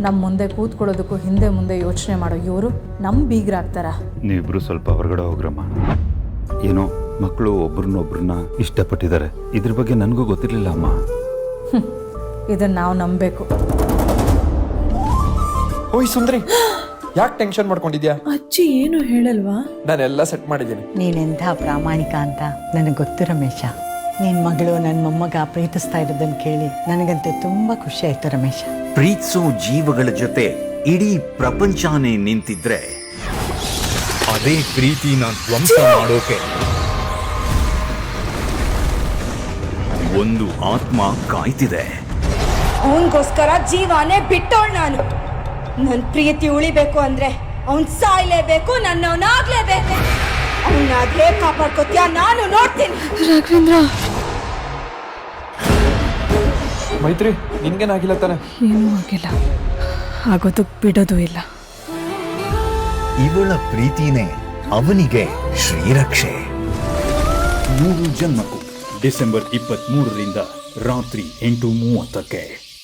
ನಮ್ಮ ಮುಂದೆ ಕೂತ್ಕೊಳ್ಳೋದಕ್ಕೂ ಹಿಂದೆ ಮುಂದೆ ಯೋಚನೆ ಮಾಡೋ ಇವರು ನಮ್ಮ ಬೀಗ್ರಾಗ್ತಾರ. ನೀವಿಬ್ರು ಸ್ವಲ್ಪ ಹೊರಗಡೆ ಹೋಗ್ರಮ್ಮ. ಏನೋ ಮಕ್ಕಳು ಒಬ್ರನ್ನೊಬ್ರನ್ನ ಇಷ್ಟಪಟ್ಟಿದ್ದಾರೆ. ಇದ್ರ ಬಗ್ಗೆ ನನಗೂ ಗೊತ್ತಿರಲಿಲ್ಲ ಅಮ್ಮ. ಇದನ್ನ ನಾವು ನಂಬಬೇಕು. ಓಯ್ ಸುಂದ್ರಿ, ಯಾಕೆ ಟೆನ್ಷನ್ ಮಾಡ್ಕೊಂಡಿದ್ಯಾ? ಅಜ್ಜಿ ಏನು ಹೇಳಲ್ವಾ? ನಾನೆಲ್ಲ ಸೆಟ್ ಮಾಡಿದ್ದೀನಿ. ನೀನೆಂಥ ಪ್ರಾಮಾಣಿಕ ಅಂತ ನನಗೆ ಗೊತ್ತು ರಮೇಶ. ನಿನ್ನ ಮಗಳು ನನ್ನ ಮೊಮ್ಮಗ ಪ್ರೀತಿಸ್ತಾ ಇರೋದನ್ನು ಕೇಳಿ ನನಗಂತೂ ತುಂಬ ಖುಷಿ ಆಯ್ತು ರಮೇಶ. ಪ್ರೀತಿಸೋ ಜೀವಗಳ ಜೊತೆ ಇಡೀ ಪ್ರಪಂಚನೇ ನಿಂತಿದ್ರೆ ಅದೇ ಪ್ರೀತಿನ ಧ್ವಂಸ ಮಾಡೋಕೆ ಒಂದು ಆತ್ಮ ಕಾಯ್ತಿದೆ. ಅವನಿಗೋಸ್ಕರ ಜೀವಾನೇ ಬಿಟ್ಟೋಳ್ ನಾನು. ನನ್ನ ಪ್ರೀತಿ ಉಳಿಬೇಕು ಅಂದ್ರೆ ಅವನ್ ಸಾಯ್ಲೇಬೇಕು, ನನ್ನವನಾಗ್ಲೇಬೇಕು. ಅವನ್ನ ಹೇಗೆ ಕಾಪಾಡ್ಕೋತೀಯ ನಾನು ನೋಡ್ತೀನಿ. ರಾಘವೇಂದ್ರ, ಮೈತ್ರಿ, ನಿನ್ಗೇನಾಗಿಲ್ಲ ತಾನೆ? ಏನೂ ಆಗಿಲ್ಲ, ಆಗೋದಕ್ಕೆ ಬಿಡೋದು ಇಲ್ಲ. ಇವಳ ಪ್ರೀತಿನೇ ಅವನಿಗೆ ಶ್ರೀರಕ್ಷೆ. 3 ಜನ್ಮಕ್ಕೂ ಡಿಸೆಂಬರ್ 23ರಿಂದ ರಾತ್ರಿ 8:30ಕ್ಕೆ.